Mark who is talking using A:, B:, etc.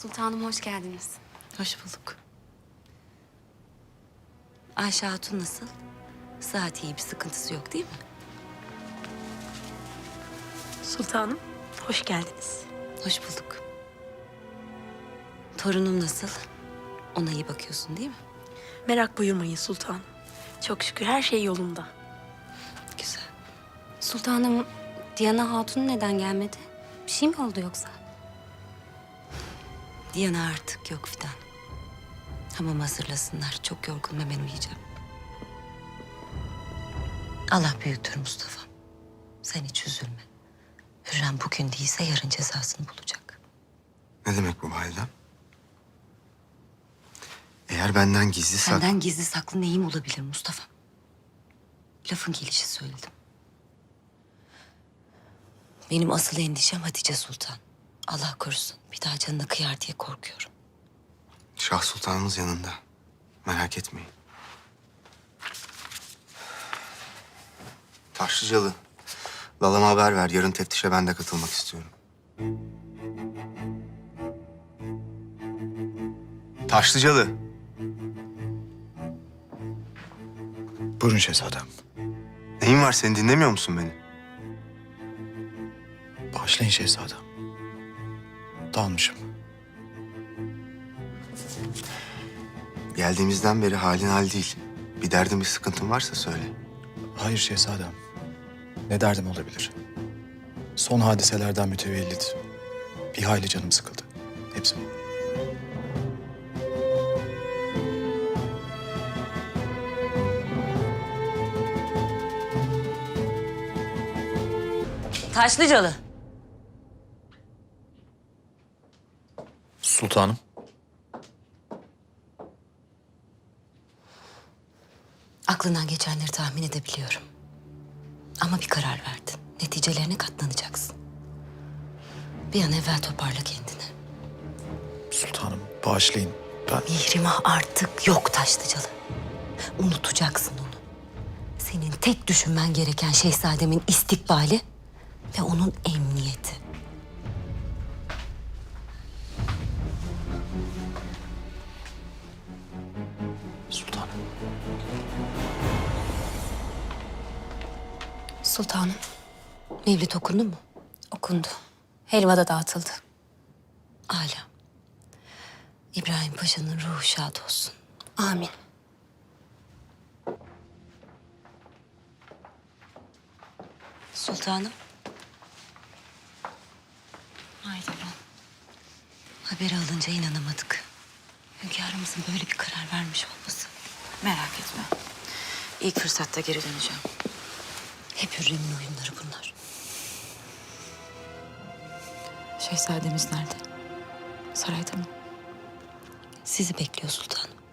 A: Sultanım hoş geldiniz.
B: Hoş bulduk. Ayşe Hatun nasıl? Sıhhat iyi, bir sıkıntısı yok değil mi?
C: Sultanım, hoş geldiniz.
B: Hoş bulduk. Torunum nasıl? Ona iyi bakıyorsun değil mi?
C: Merak buyurmayın sultanım. Çok şükür her şey yolunda.
B: Güzel.
A: Sultanım, Diana Hatun neden gelmedi? Bir şey mi oldu yoksa?
B: Diana artık yok Fidan. Hamam hazırlasınlar. Çok yorgunum, hemen uyuyacağım. Allah büyüktür Mustafa. Sen hiç üzülme. Hürrem bugün değilse yarın cezasını bulacak.
D: Ne demek bu validem? Eğer benden gizli
B: Senden gizli saklı neyim olabilir Mustafa? Lafın gelişi söyledim. Benim asıl endişem Hatice Sultan. Allah korusun bir daha canına kıyar diye korkuyorum.
D: Şah Sultanımız yanında. Merak etmeyin. Taşlıcalı, Lalama haber ver. Yarın teftişe ben de katılmak istiyorum. Taşlıcalı.
E: Buyurun şehzadem.
D: Neyin var, seni dinlemiyor musun beni?
E: Bağışlayın şehzadem. Dalmışım.
D: Geldiğimizden beri halin hal değil. Bir derdin, bir sıkıntın varsa söyle.
E: Hayır şehzadem. Ne derdim olabilir? Son hadiselerden mütevellit bir hayli canım sıkıldı. Hepsi bu.
B: Taşlıcalı.
E: Sultanım.
B: Aklından geçenleri tahmin edebiliyorum. Ama bir karar verdin. Neticelerine katlanacaksın. Bir an evvel toparla kendini.
E: Sultanım bağışlayın. Ben
B: Mihrimah artık yok Taşlıcalı. Unutacaksın onu. Senin tek düşünmen gereken şehzademin istikbali ve onun emniyeti.
E: sultanım.
A: Sultanım,
B: Mevlid okundu mu?
A: okundu. Helva da dağıtıldı.
B: Âlâ. İbrahim Paşa'nın ruhu şad olsun.
A: Amin.
B: Sultanım. Haydi ben. Haberi alınca inanamadık. Hünkârımızın böyle bir karar vermiş olması.
F: Merak etme. İlk fırsatta geri döneceğim.
B: Hep Hürrem'in oyunları bunlar.
F: Şehzademiz nerede? Sarayda mı?
B: Sizi bekliyor sultanım.